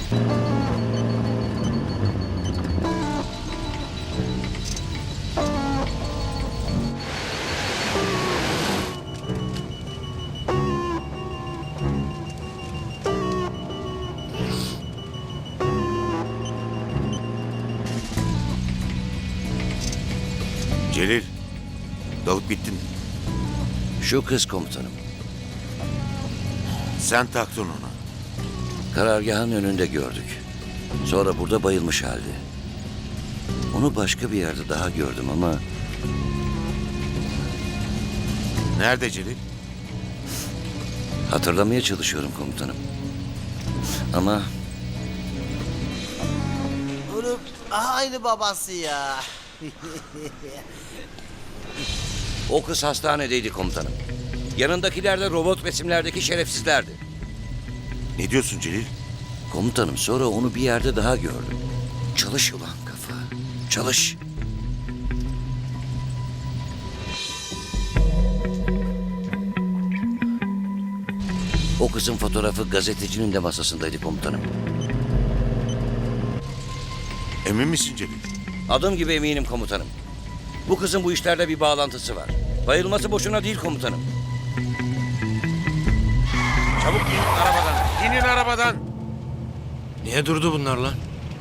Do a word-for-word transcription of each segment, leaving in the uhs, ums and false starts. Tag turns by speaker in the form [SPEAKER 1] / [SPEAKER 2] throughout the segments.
[SPEAKER 1] Celil, dalıp bittin.
[SPEAKER 2] Şu kız komutanım.
[SPEAKER 1] Sen taktın ona.
[SPEAKER 2] Karargahın önünde gördük. Sonra burada bayılmış halde. Onu başka bir yerde daha gördüm ama
[SPEAKER 1] Nerede Celil?
[SPEAKER 2] hatırlamaya çalışıyorum komutanım. Ama
[SPEAKER 3] Oğlum aynı babası ya.
[SPEAKER 2] o kız hastanedeydi komutanım. Yanındakiler de robot resimlerdeki şerefsizlerdi.
[SPEAKER 1] Ne diyorsun Celil?
[SPEAKER 2] Komutanım sonra onu bir yerde daha gördüm. Çalış ulan kafa. Çalış. O kızın fotoğrafı gazetecinin de masasındaydı komutanım.
[SPEAKER 1] Emin misin Celil?
[SPEAKER 2] Adım gibi eminim komutanım. Bu kızın bu işlerle bir bağlantısı var. Bayılması boşuna değil komutanım.
[SPEAKER 1] Çabuk in arabadan. İnin arabadan.
[SPEAKER 4] Niye durdu bunlar lan?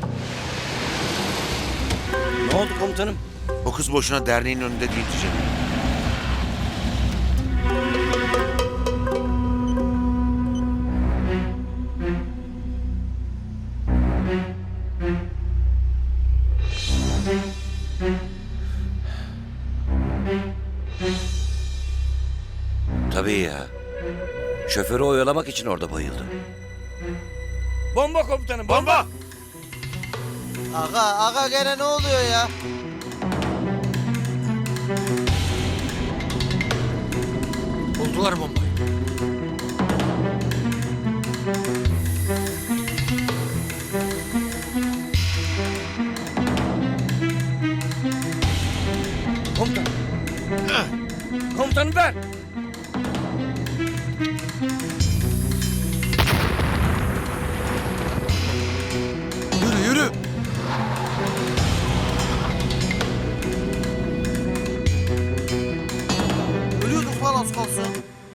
[SPEAKER 2] Ne oldu komutanım?
[SPEAKER 1] O kız boşuna derneğin önünde değildi Celil.
[SPEAKER 2] Tabii ya. Şoförü oyalamak için orada bayıldı. Bomba komutanım, bomba!
[SPEAKER 3] Aga aga gene ne oluyor ya?
[SPEAKER 4] Buldular bombayı.
[SPEAKER 2] Komutanım. Komutanım ben.